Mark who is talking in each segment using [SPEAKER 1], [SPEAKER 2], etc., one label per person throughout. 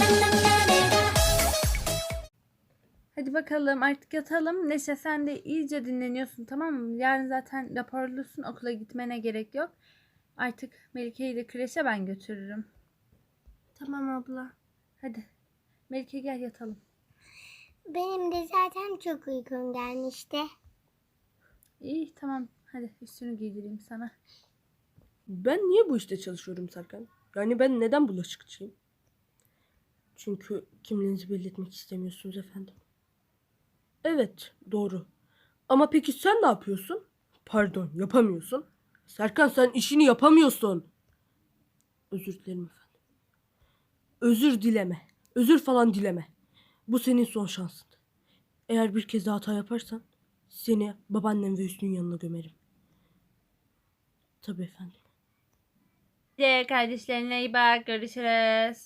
[SPEAKER 1] Hadi bakalım artık yatalım. Neşe sen de iyice dinleniyorsun, tamam mı? Yarın zaten raporlusun, okula gitmene gerek yok. Artık Melike'yi de kreşe ben götürürüm.
[SPEAKER 2] Tamam abla.
[SPEAKER 1] Hadi Melike gel yatalım.
[SPEAKER 2] Benim de zaten çok uykum gelmişti.
[SPEAKER 1] İyi tamam, hadi üstünü giydireyim sana.
[SPEAKER 3] Ben niye bu işte çalışıyorum Serkan? Yani ben neden bulaşıkçıyım? Çünkü kimliğinizi belli etmek istemiyorsunuz efendim. Evet, doğru. Ama peki sen ne yapıyorsun? Pardon, yapamıyorsun. Serkan sen işini yapamıyorsun. Özür dilerim efendim. Özür dileme. Özür falan dileme. Bu senin son şansın. Eğer bir kez daha hata yaparsan seni babaannem ve Hüsnü'nün yanına gömerim. Tabii efendim.
[SPEAKER 1] Hadi kardeşlerine iyi bak, görüşürüz.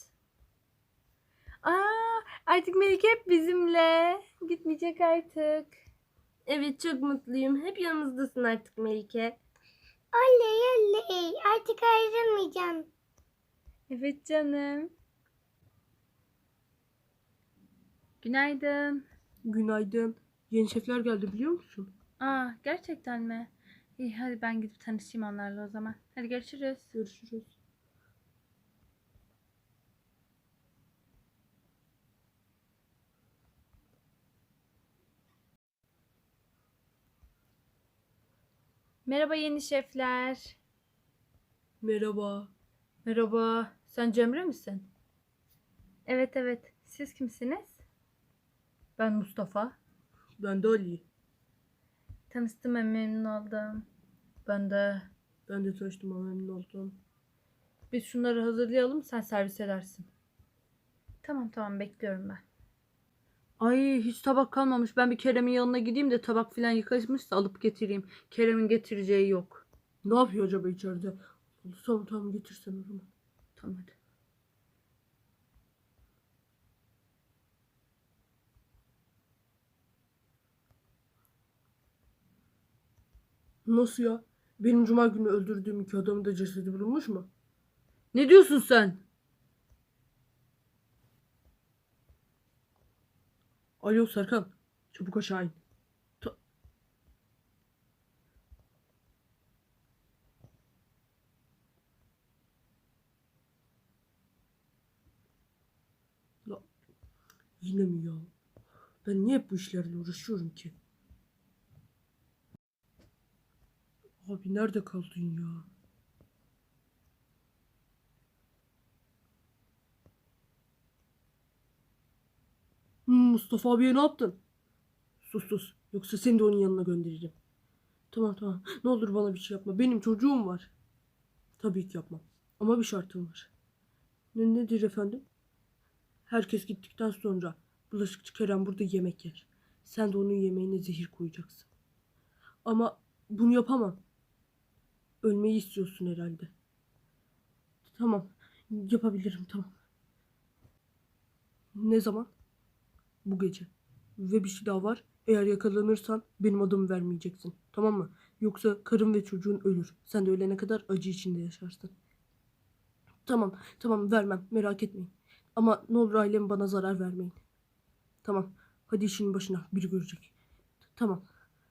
[SPEAKER 1] Artık Melike hep bizimle. Gitmeyecek artık.
[SPEAKER 2] Evet çok mutluyum. Hep yanımızdasın artık Melike. Oley oley. Artık ayrılmayacağım.
[SPEAKER 1] Evet canım. Günaydın.
[SPEAKER 3] Günaydın. Yeni şefler geldi biliyor musun?
[SPEAKER 1] Gerçekten mi? İyi hadi ben gidip tanışayım onlarla o zaman. Hadi görüşürüz.
[SPEAKER 3] Görüşürüz.
[SPEAKER 1] Merhaba yeni şefler.
[SPEAKER 3] Merhaba.
[SPEAKER 1] Merhaba. Sen Cemre misin? Evet evet. Siz kimsiniz? Ben Mustafa.
[SPEAKER 3] Ben de Ali.
[SPEAKER 1] Tanıştığıma memnun oldum. Ben de.
[SPEAKER 3] Ben de tanıştığıma memnun oldum.
[SPEAKER 1] Biz şunları hazırlayalım, sen servis edersin. Tamam tamam, bekliyorum ben. Ay hiç tabak kalmamış. Ben bir Kerem'in yanına gideyim de tabak filan yıkamışsa alıp getireyim. Kerem'in getireceği yok.
[SPEAKER 3] Ne yapıyor acaba içeride? Tamam tamam getirsen o zaman.
[SPEAKER 1] Tamam hadi.
[SPEAKER 3] Nasıl ya? Benim cuma günü öldürdüğüm 2 adamın da cesedi bulunmuş mu?
[SPEAKER 1] Ne diyorsun sen?
[SPEAKER 3] Alo Serkan. Çabuk aşağı in. Ya, yine mi ya? Ben niye hep bu işlerle uğraşıyorum ki? Abi nerede kaldın ya? Mustafa abiye ne yaptın? Sus sus. Yoksa seni de onun yanına gönderirim. Tamam tamam. Ne olur bana bir şey yapma. Benim çocuğum var. Tabii ki yapmam. Ama bir şartım var. Nedir efendim? Herkes gittikten sonra bulaşıkçı Kerem burada yemek yer. Sen de onun yemeğine zehir koyacaksın. Ama bunu yapamam. Ölmeyi istiyorsun herhalde. Tamam. Yapabilirim tamam. Ne zaman? Bu gece. Ve bir şey daha var. Eğer yakalanırsan benim adımı vermeyeceksin. Tamam mı? Yoksa karın ve çocuğun ölür. Sen de ölene kadar acı içinde yaşarsın. Tamam. Tamam vermem. Merak etmeyin. Ama ne olur ailem bana zarar vermeyin. Tamam. Hadi işinin başına. Biri görecek. Tamam.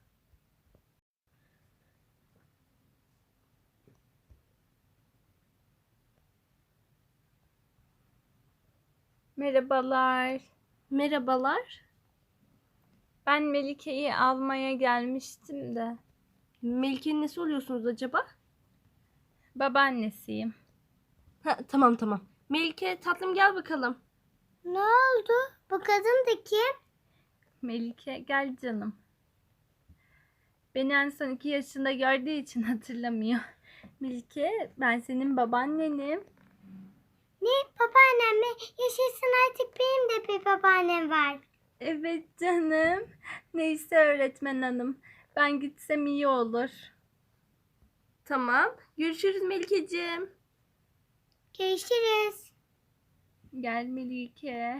[SPEAKER 1] Merhabalar.
[SPEAKER 2] Merhabalar.
[SPEAKER 1] Ben Melike'yi almaya gelmiştim de.
[SPEAKER 2] Melike'nin nesi oluyorsunuz acaba?
[SPEAKER 1] Babaannesiyim.
[SPEAKER 2] Tamam tamam. Melike tatlım gel bakalım. Ne oldu? Bu kadın da kim?
[SPEAKER 1] Melike gel canım. Beni en son 2 yaşında gördüğü için hatırlamıyor. Melike ben senin babaannenim.
[SPEAKER 2] Ne babaannem mi? Yaşasın artık benim de bir babaannem var.
[SPEAKER 1] Evet canım. Neyse öğretmen hanım. Ben gitsem iyi olur.
[SPEAKER 2] Tamam. Görüşürüz Melike'ciğim. Görüşürüz.
[SPEAKER 1] Gel Melike.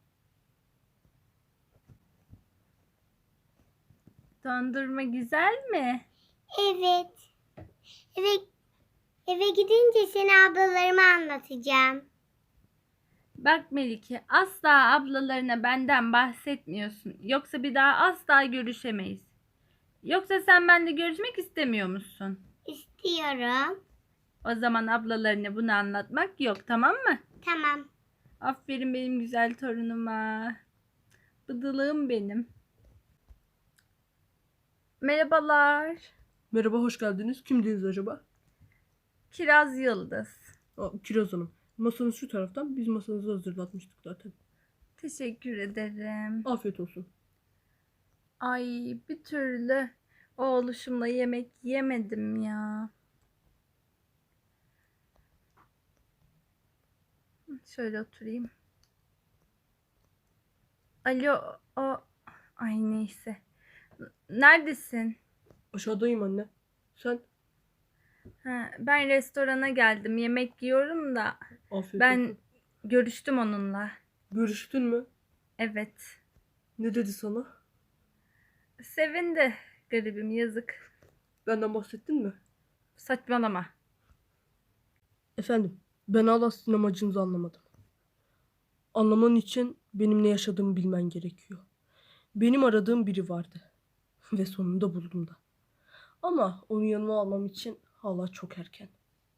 [SPEAKER 1] Dondurma güzel mi?
[SPEAKER 2] Evet. Eve gidince seni ablalarıma anlatacağım.
[SPEAKER 1] Bak Melike, asla ablalarına benden bahsetmiyorsun. Yoksa bir daha asla görüşemeyiz. Yoksa sen benimle görüşmek istemiyor musun?
[SPEAKER 2] İstiyorum.
[SPEAKER 1] O zaman ablalarına bunu anlatmak yok, tamam mı?
[SPEAKER 2] Tamam.
[SPEAKER 1] Aferin benim güzel torunuma. Bıdılığım benim. Merhabalar.
[SPEAKER 3] Merhaba, hoş geldiniz. Kimdiniz acaba?
[SPEAKER 1] Kiraz Yıldız.
[SPEAKER 3] Kiraz Hanım. Masanız şu taraftan. Biz masanızı hazırlatmıştık zaten.
[SPEAKER 1] Teşekkür ederim.
[SPEAKER 3] Afiyet olsun.
[SPEAKER 1] Ay, bir türlü oğluşumla yemek yemedim ya. Şöyle oturayım. Alo, ay neyse. Neredesin?
[SPEAKER 3] Aşağıdayım anne. Sen?
[SPEAKER 1] Ha, ben restorana geldim. Yemek yiyorum da
[SPEAKER 3] Afiyet
[SPEAKER 1] ben
[SPEAKER 3] olsun.
[SPEAKER 1] görüştüm onunla.
[SPEAKER 3] Görüştün mü?
[SPEAKER 1] Evet.
[SPEAKER 3] Ne dedi sana?
[SPEAKER 1] Sevindi. Garibim, yazık.
[SPEAKER 3] Benden bahsettin mi?
[SPEAKER 1] Saçmalama.
[SPEAKER 3] Efendim, ben hala sizin amacınızı anlamadım. Anlaman için benim ne yaşadığımı bilmen gerekiyor. Benim aradığım biri vardı. Ve sonunda buldum da. Ama onu yanıma almam için hala çok erken.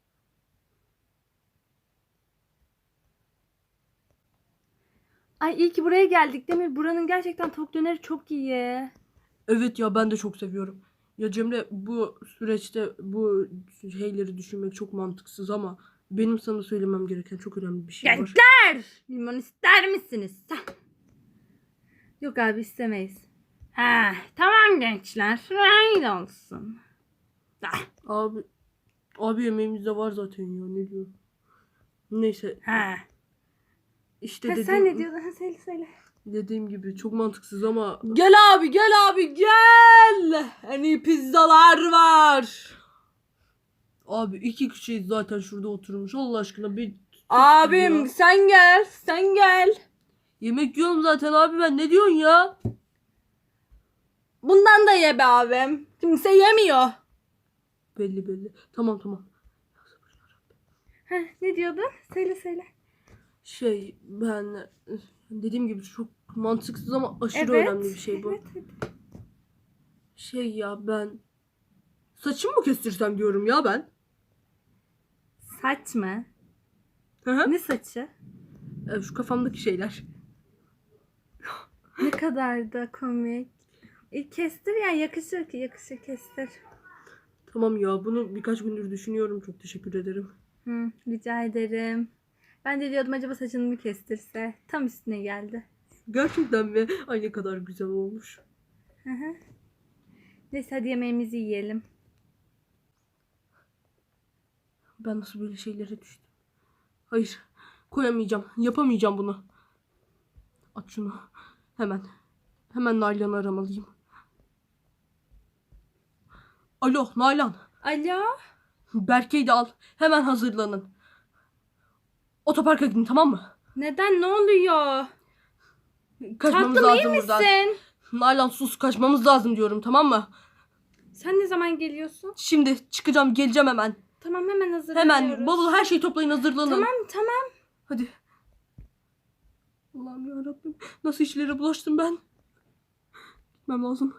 [SPEAKER 1] Ay iyi ki buraya geldik Demir. Buranın gerçekten tavuk döneri çok iyi.
[SPEAKER 3] Evet ya, ben de çok seviyorum. Ya Cemre, bu süreçte bu şeyleri düşünmek çok mantıksız ama benim sana söylemem gereken çok önemli bir şey var.
[SPEAKER 1] Gençler! Limon ister misiniz? Yok abi, istemeyiz. Ha, tamam gençler. Öyle olsun.
[SPEAKER 3] Abi yemeğimizde var zaten ya, ne diyor? Neyse
[SPEAKER 1] Ha.
[SPEAKER 3] işte
[SPEAKER 1] Ha,
[SPEAKER 3] dediğim,
[SPEAKER 1] sen ne diyordun? Ha, söyle.
[SPEAKER 3] dediğim gibi çok mantıksız ama
[SPEAKER 1] Gel abi, gel abi, gel. En iyi pizzalar var.
[SPEAKER 3] abi iki kişiyiz zaten şurada oturmuş, Allah aşkına bir
[SPEAKER 1] Abim
[SPEAKER 3] ya.
[SPEAKER 1] sen gel, sen gel.
[SPEAKER 3] Yemek yiyorum zaten abi, ben ne diyorsun ya?
[SPEAKER 1] Bundan da ye be abim. Kimse yemiyor.
[SPEAKER 3] Belli. Tamam.
[SPEAKER 1] Heh, ne diyordun? Söyle.
[SPEAKER 3] Ben dediğim gibi çok mantıksız ama aşırı
[SPEAKER 1] Evet.
[SPEAKER 3] önemli bir şey bu.
[SPEAKER 1] Evet.
[SPEAKER 3] Ben saçımı mı kestirsem diyorum ya ben.
[SPEAKER 1] Saç mı?
[SPEAKER 3] Hı hı.
[SPEAKER 1] Ne saçı?
[SPEAKER 3] Şu kafamdaki şeyler.
[SPEAKER 1] Ne kadar da komik. Kestir yani, yakışır kestir.
[SPEAKER 3] Tamam ya, bunu birkaç gündür düşünüyorum, çok teşekkür ederim.
[SPEAKER 1] Rica ederim. Ben de diyordum acaba saçını mı kestirse. Tam üstüne geldi.
[SPEAKER 3] Gerçekten mi? Ay ne kadar güzel olmuş.
[SPEAKER 1] Hı hı. Neyse hadi yemeğimizi yiyelim.
[SPEAKER 3] Ben nasıl böyle şeylere düştüm? Hayır, yapamayacağım bunu. Aç şunu. Hemen Nalan'ı aramalıyım. Alo Nalan.
[SPEAKER 1] Alo?
[SPEAKER 3] Berke'yi de al. Hemen hazırlanın. Otoparka gidin, tamam mı?
[SPEAKER 1] Neden, ne oluyor?
[SPEAKER 3] Kaçmamız
[SPEAKER 1] Tatlım, iyi
[SPEAKER 3] lazım buradan.
[SPEAKER 1] misin?
[SPEAKER 3] Nalan sus, kaçmamız lazım diyorum, tamam mı?
[SPEAKER 1] Sen ne zaman geliyorsun?
[SPEAKER 3] Şimdi çıkacağım, geleceğim hemen.
[SPEAKER 1] Tamam, hemen hazırlanıyoruz.
[SPEAKER 3] Hemen bavul, her şeyi toplayın, hazırlanın.
[SPEAKER 1] Tamam.
[SPEAKER 3] Hadi. Allah'ım yarabbim. Nasıl işlere bulaştım ben? Gitmem lazım.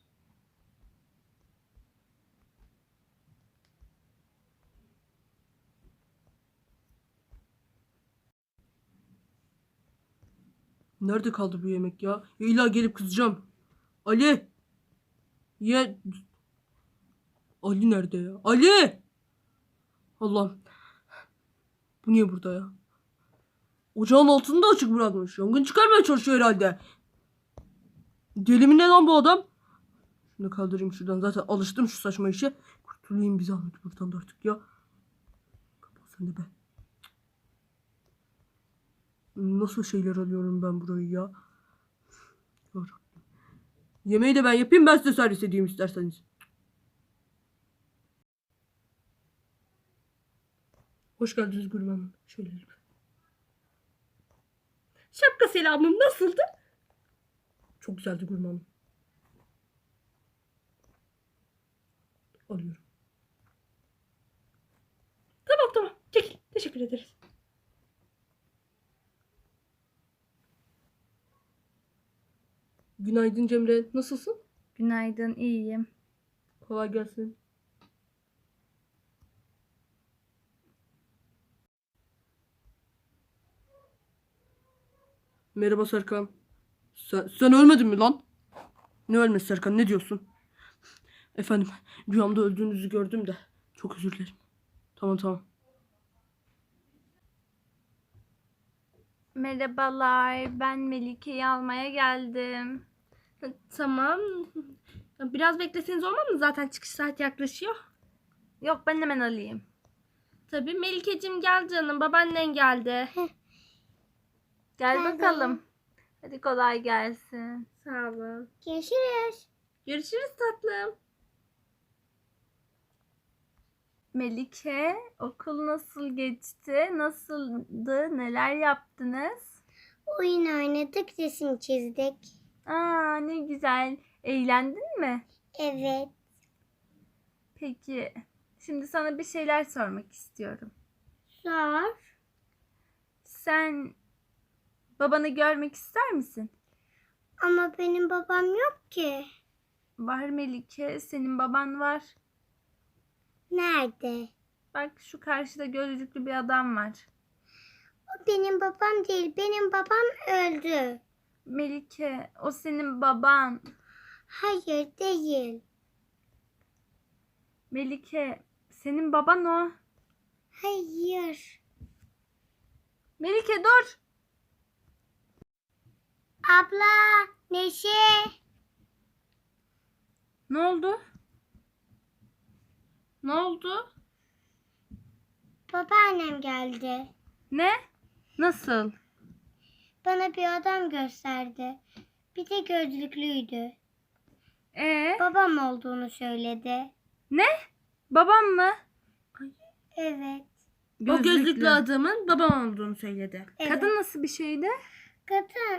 [SPEAKER 3] Nerede kaldı bu yemek ya? İlla gelip kızacağım. Ali! Ye... Ali nerede ya? Ali! Allah'ım. Bu niye burada ya? Ocağın altını da açık bırakmış. Yangın çıkarmaya çalışıyor herhalde. Deli mi ne lan bu adam? Şunu kaldırayım şuradan. Zaten alıştım şu saçma işe. Kurtulayım bir zahmet buradan da artık ya. Kapat sen de be. Nasıl şeyler alıyorum ben burayı ya? Yarabbim. Yemeği de ben yapayım, ben size servis edeyim isterseniz. Hoş geldiniz Gülüm Hanım. Şöyle lütfen. Şapka selamım nasıldı? Çok güzeldi Gülüm Hanım. Alıyorum. Tamam. Çekil. Teşekkür ederiz. Günaydın Cemre. Nasılsın?
[SPEAKER 1] Günaydın, iyiyim.
[SPEAKER 3] Kolay gelsin. Merhaba Serkan. Sen ölmedin mi lan? Ne ölmesi Serkan, ne diyorsun? Efendim, rüyamda öldüğünüzü gördüm de. Çok özür dilerim. Tamam.
[SPEAKER 1] Merhabalar, ben Melike'yi almaya geldim.
[SPEAKER 2] Tamam. Biraz bekleseniz olmaz mı? Zaten çıkış saati yaklaşıyor.
[SPEAKER 1] Yok, ben hemen alayım.
[SPEAKER 2] Tabii Melike'cim gel canım. Babaannen geldi.
[SPEAKER 1] Gel
[SPEAKER 2] Pardon.
[SPEAKER 1] bakalım. Hadi kolay gelsin.
[SPEAKER 2] Sağ olun.
[SPEAKER 4] Görüşürüz.
[SPEAKER 2] Görüşürüz tatlım.
[SPEAKER 1] Melike, okul nasıl geçti? Nasıldı? Neler yaptınız?
[SPEAKER 4] Oyun oynadık, resim çizdik.
[SPEAKER 1] Aa, ne güzel. Eğlendin mi?
[SPEAKER 4] Evet.
[SPEAKER 1] Peki, şimdi sana bir şeyler sormak istiyorum.
[SPEAKER 4] Sor.
[SPEAKER 1] Sen babanı görmek ister misin?
[SPEAKER 4] Ama benim babam yok ki.
[SPEAKER 1] Var Melike, senin baban var.
[SPEAKER 4] Nerede?
[SPEAKER 1] Bak şu karşıda gözlüklü bir adam var.
[SPEAKER 4] O benim babam değil. Benim babam öldü.
[SPEAKER 1] Melike, o senin baban.
[SPEAKER 4] Hayır değil.
[SPEAKER 1] Melike, senin baban o.
[SPEAKER 4] Hayır.
[SPEAKER 1] Melike dur.
[SPEAKER 4] Abla, Neşe.
[SPEAKER 1] Ne oldu? Ne oldu?
[SPEAKER 4] Babaannem geldi.
[SPEAKER 1] Ne? Nasıl?
[SPEAKER 4] Bana bir adam gösterdi. Bir de gözlüklüydü. Babam olduğunu söyledi.
[SPEAKER 1] Ne? Babam mı?
[SPEAKER 4] Evet.
[SPEAKER 2] O gözlüklü adamın babam olduğunu söyledi.
[SPEAKER 4] Evet.
[SPEAKER 1] Kadın nasıl bir şeydi?
[SPEAKER 4] Kadın.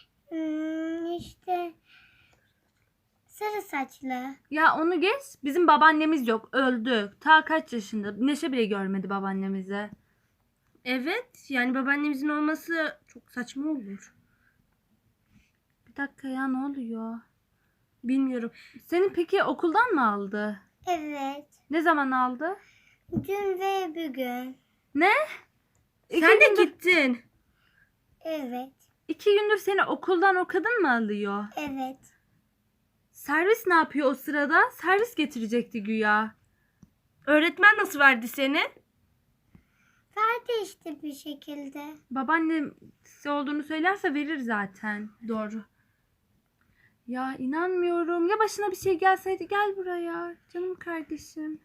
[SPEAKER 4] İşte sarı saçlı.
[SPEAKER 1] Ya onu geç. Bizim babaannemiz yok. Öldü. Ta kaç yaşında? Neşe bile görmedi babaannemizi.
[SPEAKER 2] Evet. Yani babaannemizin olması çok saçma olur.
[SPEAKER 1] Bir dakika ya, ne oluyor?
[SPEAKER 2] Bilmiyorum.
[SPEAKER 1] Senin peki okuldan mı aldı?
[SPEAKER 4] Evet.
[SPEAKER 1] Ne zaman aldı?
[SPEAKER 4] Dün ve bugün.
[SPEAKER 1] Ne?
[SPEAKER 2] Sen de gittin.
[SPEAKER 4] Evet.
[SPEAKER 1] 2 gündür seni okuldan o kadın mı alıyor?
[SPEAKER 4] Evet.
[SPEAKER 1] Servis ne yapıyor o sırada? Servis getirecekti güya.
[SPEAKER 2] Öğretmen nasıl verdi seni?
[SPEAKER 4] Verdi işte bir şekilde.
[SPEAKER 1] Babaannem size olduğunu söylerse verir zaten.
[SPEAKER 2] Doğru.
[SPEAKER 1] Ya inanmıyorum. Ya başına bir şey gelseydi, gel buraya. Canım kardeşim.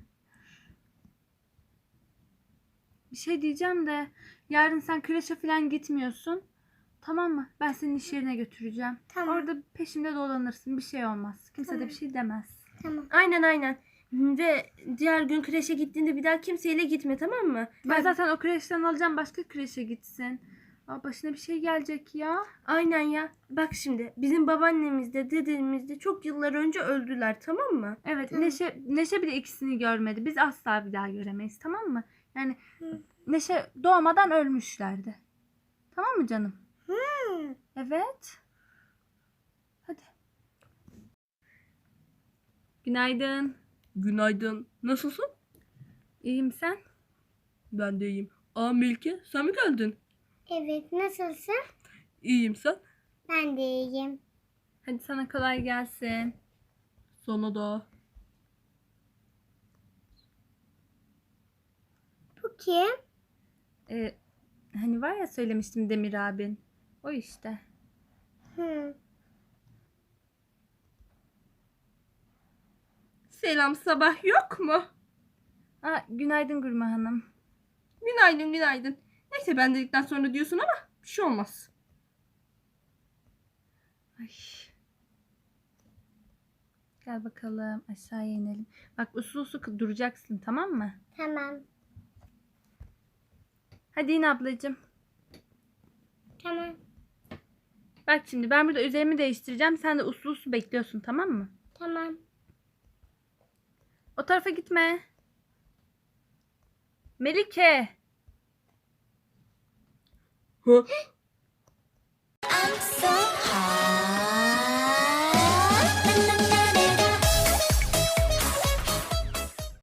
[SPEAKER 1] Bir şey diyeceğim de yarın sen kreşe falan gitmiyorsun. Tamam mı? Ben senin iş yerine götüreceğim.
[SPEAKER 4] Tamam.
[SPEAKER 1] Orada peşimde dolanırsın. Bir şey olmaz. Kimse de bir şey demez.
[SPEAKER 4] Tamam.
[SPEAKER 2] Aynen. Ve diğer gün kreşe gittiğinde bir daha kimseyle gitme, tamam mı?
[SPEAKER 1] Ben zaten o kreşten alacağım, başka kreşe gitsin. Aa, başına bir şey gelecek ya.
[SPEAKER 2] Aynen ya. Bak şimdi bizim babaannemiz de dedemiz de çok yıllar önce öldüler, tamam mı?
[SPEAKER 1] Evet,
[SPEAKER 4] Tamam.
[SPEAKER 1] Neşe bile ikisini görmedi. Biz asla bir daha göremeyiz, tamam mı? Yani
[SPEAKER 4] Hı.
[SPEAKER 1] Neşe doğmadan ölmüşlerdi. Tamam mı canım?
[SPEAKER 4] Hmm.
[SPEAKER 1] Evet. Hadi. Günaydın.
[SPEAKER 3] Günaydın. Nasılsın?
[SPEAKER 1] İyiyim, sen?
[SPEAKER 3] Ben de iyiyim. Aa Melike, sen mi geldin?
[SPEAKER 4] Evet. Nasılsın?
[SPEAKER 3] İyiyim, sen?
[SPEAKER 4] Ben de iyiyim.
[SPEAKER 1] Hadi sana kolay gelsin.
[SPEAKER 3] Sana da.
[SPEAKER 4] Bu kim?
[SPEAKER 1] Hani var ya, söylemiştim Demir abin. O işte.
[SPEAKER 4] Hı.
[SPEAKER 2] Selam, sabah yok mu?
[SPEAKER 1] Aa, günaydın Gülme Hanım.
[SPEAKER 2] Günaydın. Neyse ben dedikten sonra diyorsun ama bir şey olmaz.
[SPEAKER 1] Ay. Gel bakalım, aşağıya inelim. Bak usul duracaksın, tamam mı?
[SPEAKER 4] Tamam.
[SPEAKER 1] Hadi in ablacığım.
[SPEAKER 4] Tamam.
[SPEAKER 1] Bak şimdi ben burada üzerimi değiştireceğim. Sen de usul bekliyorsun, tamam mı?
[SPEAKER 4] Tamam.
[SPEAKER 1] O tarafa gitme. Melike.
[SPEAKER 3] Ha?